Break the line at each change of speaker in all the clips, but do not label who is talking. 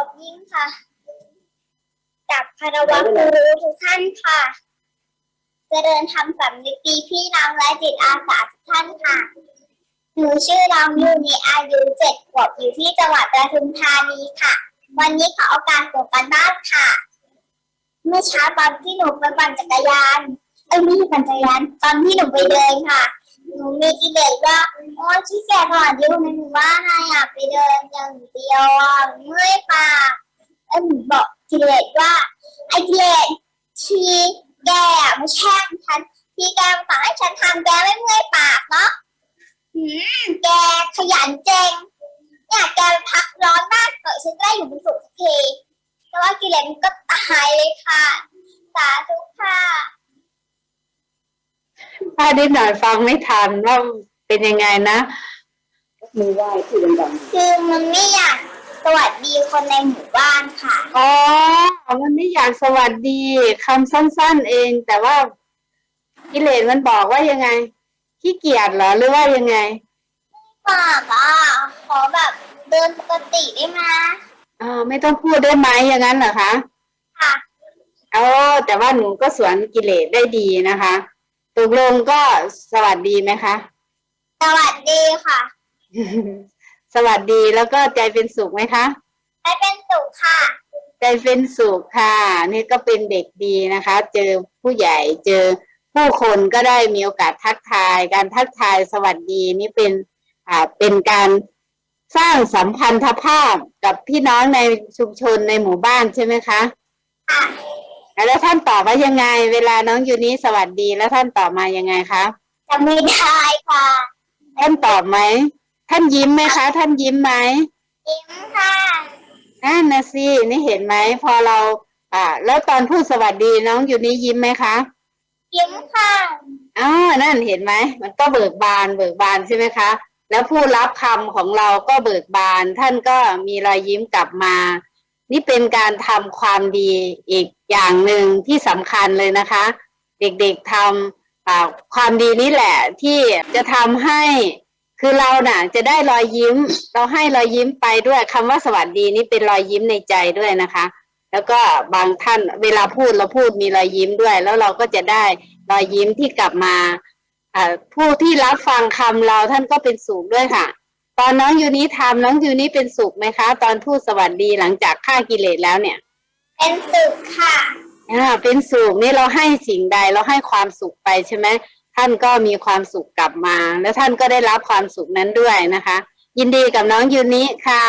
บยิ่งค่ะกับคารวะครูทุกท่านค่ะเจริญธรรมสำนึกดีพี่น้องและจิตอาสาทุกท่านค่ะหนูชื่อน้องยูนีอายุ7 ขวบอยู่ที่จังหวัดปทุมธานีค่ะวันนี้ขอโอกาสส่งการบ้านค่ะเมื่อเช้าตอนที่หนูไปปั่นจักรยานไม่ใช่ปั่นจักรยานตอนที่หนูไปเดินค่ะหนูมีกิเลสว่าโอ้ขี้เกียจถอดอยู่ในหมู่บ้านอยากไปเดินอย่างเดียวเมื่อยปากหนูบอกกิเลสว่าไอ้กิเลสทีแกมาแช่งฉันทีแกมาสั่งให้ฉันทำแกไม่เมื่อยปากเนาะแกขยันเจงเนี่ยแกพักร้อนบ้านเกิดฉันได้อยู่เป็นสุขทีแต่ว่ากิเลสมันก็ตายเลยค่ะสาธุค่ะ
ถ้านิดหน่อยฟังไม่ทันว่าเป็นยังไงนะ
มือไหว้ที่ดัง
ๆคือมันไม่อยากสวัสดีคนในหมู่บ้านค่ะ
อ๋อมันไม่อยากสวัสดีคำสั้นๆเองแต่ว่ากิเลสมันบอกว่ายังไงขี้เกียจเหรอหรือว่ายังไง
ปากขอแบบเดินปกติได้ไหม
ไม่ต้องพูดได้ไหมอย่างนั้นเหรอคะ
ค่ะ
แต่ว่าหนูก็สวนกิเลสได้ดีนะคะตกลงก็สวัสดีไหมคะ
สวัสดีค่ะ
สวัสดีแล้วก็ใจเป็นสุขไหมคะ
ใจเป็นสุขค่ะ
ใจเป็นสุขค่ะนี่ก็เป็นเด็กดีนะคะเจอผู้ใหญ่เจอผู้คนก็ได้มีโอกาสทักทายการทักทายสวัสดีนี่เป็นการสร้างสัมพันธภาพกับพี่น้องในชุมชนในหมู่บ้านใช่ไหมคะ
ค่ะ
แล้วท่านตอบว่ายังไงเวลาน้องยูนี้สวัสดีแล้วท่านตอบมายังไงคะ
จำไม่ได้ค่ะ
ท่านตอบไหมท่านยิ้มไหมคะท่านยิ้มไหม
ยิ้มค่ะ
นั่นนะสินี่เห็นไหมพอเราแล้วตอนพูดสวัสดีน้องยูนี้ยิ้มไหมคะ
ยิ้มค่ะ
นั่นเห็นไหมมันก็เบิกบานใช่ไหมคะแล้วผู้รับคำของเราก็เบิกบานท่านก็มีรอยยิ้มกลับมานี่เป็นการทำความดีอีกอย่างหนึ่งที่สำคัญเลยนะคะเด็กๆทำความดีนี้แหละที่จะทำให้คือเราน่ะจะได้รอยยิ้มเราให้รอยยิ้มไปด้วยคำว่าสวัสดีนี่เป็นรอยยิ้มในใจด้วยนะคะแล้วก็บางท่านเวลาพูดเราพูดมีรอยยิ้มด้วยแล้วเราก็จะได้รอยยิ้มที่กลับมาผู้ที่รับฟังคำเราท่านก็เป็นสุขด้วยค่ะตอนน้องยูนี้ทำน้องยูนี้เป็นสุขไหมคะตอนพูดสวัสดีหลังจากฆ่ากิเลสแล้วเนี่ย
เป็นสุขค่ะ
เป็นสุขนี่เราให้สิ่งใดเราให้ความสุขไปใช่ไหมท่านก็มีความสุขกลับมาแล้วท่านก็ได้รับความสุขนั้นด้วยนะคะยินดีกับน้องยูนี้ค่ะ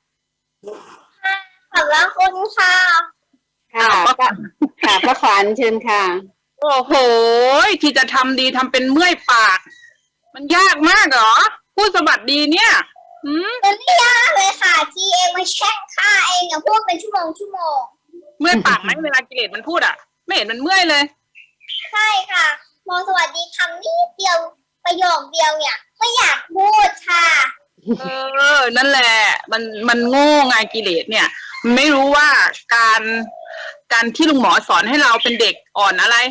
ขอบคุณค่ะ
ค่ะป้าขวัญเชิญค่ะ
โอ้โหที่จะทำดีทำเป็นเมื่อยปากมันยากมากเหรอพูดสวัสดีเนี่ย
มันไม่ยากเลยค่ะที่เองมาแช่งข้าเองพูดเป็นชั่วโมง
เมื่อยปากไหมเวลากิเลสมันพูดไม่เห็นมันเมื่อยเลย
ใช่ค่ะมองสวัสดีคำนิดเดียวประโยคเดียวเนี่ยไม่อยากพูดค่ะ
นั่นแหละมันโง่ไงกิเลสเนี่ยมันไม่รู้ว่าการที่ลุงหมอสอนให้เราเป็นเด็กอ่อนอะไร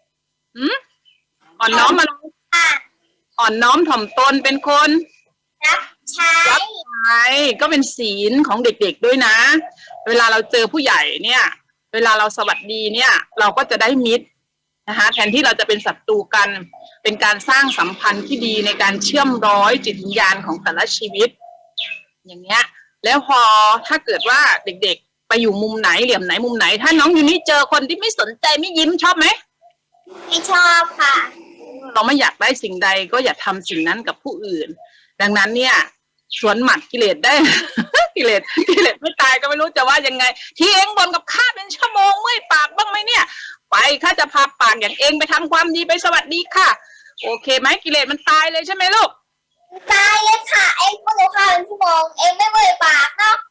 อ่อนน้อมมาอ่อนน้อมถ่อมตนเป็นคน
รับใช้
ก็เป็นศีลของเด็กๆด้วยนะเวลาเราเจอผู้ใหญ่เนี่ยเวลาเราสวัสดีเนี่ยเราก็จะได้มิตรนะคะแทนที่เราจะเป็นศัตรูกันเป็นการสร้างสัมพันธ์ที่ดีในการเชื่อมร้อยจิตวิญญาณของแต่ละชีวิตอย่างเงี้ยแล้วพอถ้าเกิดว่าเด็กๆไปอยู่มุมไหนเหลี่ยมไหนมุมไหนถ้าน้องอยู่นี่เจอคนที่ไม่สนใจไม่ยิ้มชอบไหม
ไม่ชอบค่ะ
เราไม่อยากได้สิ่งใดก็อย่าทำสิ่งนั้นกับผู้อื่นดังนั้นเนี่ยสวนหมัดกิเลสได้ กิเลสไม่ตายก็ไม่รู้จะว่ายังไงที่เองบ่นกับข้าเป็นชั่วโมงเมื่อยปากบ้างไหมเนี่ยไปข้าจะพาปากอย่างเองไปทำความดีไปสวัสดีค่ะโอเคไหมกิเลสมันตายเลยใช่ไหมลูก
ตายเลยค่ะเองพูดกับข้าเป็นชั่วโมงเองไม่เมื่อยปากเนาะ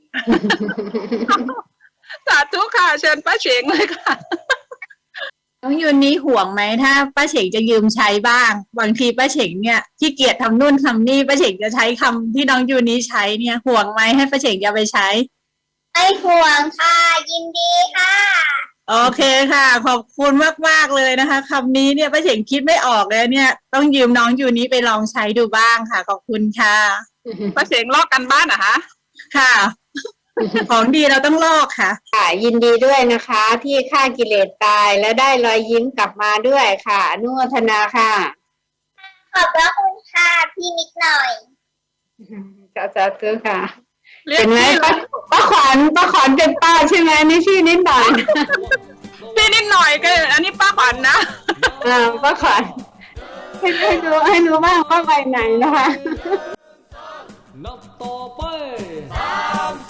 สาธุค่ะเชิญป้าเฉงเลยค่ะ
น้องยูนนี้ห่วงไหมถ้าป้าเฉงจะยืมใช้บ้างบางทีป้าเฉงเนี่ยขี้เกียจทำนู่นทำนี่ป้าเฉงจะใช้คำที่น้องยูนนี้ใช้เนี่ยห่วงไหมให้ป้าเฉงจะไปใช้
ไม่ห่วงค่ะยินดีค่ะ
โอเคค่ะขอบคุณมากๆเลยนะคะคำนี้เนี่ยป้าเฉงคิดไม่ออกเลยเนี่ยต้องยืมน้องยูนี้ไปลองใช้ดูบ้างค่ะขอบคุณค่ะ
ป้าเฉงลอกกันบ้านเหรอคะ
ค่ะของดีเราต้องลอกค่ะ
ค่ะยินดีด้วยนะคะ ที่ฆ่ากิเลสตายและได้รอยยิ้มกลับมาด้วยค่ะอนุโมทนาค่ะ
ขอบพระคุณค่ะพี่นิดหน่อย
สาธุค่ะ
เรีย
เห็
ก
นไหม
พี่
ป้าขวัญเป็นป้าใช่ไหมนี่ชื่อนิดหน่อย
พี่นิดหน่อยก็อันนี้ป้าขวัญนะ
ป้าขวัญให้ดูบ้างว่าไปไหนนะคะ
นับต่อไป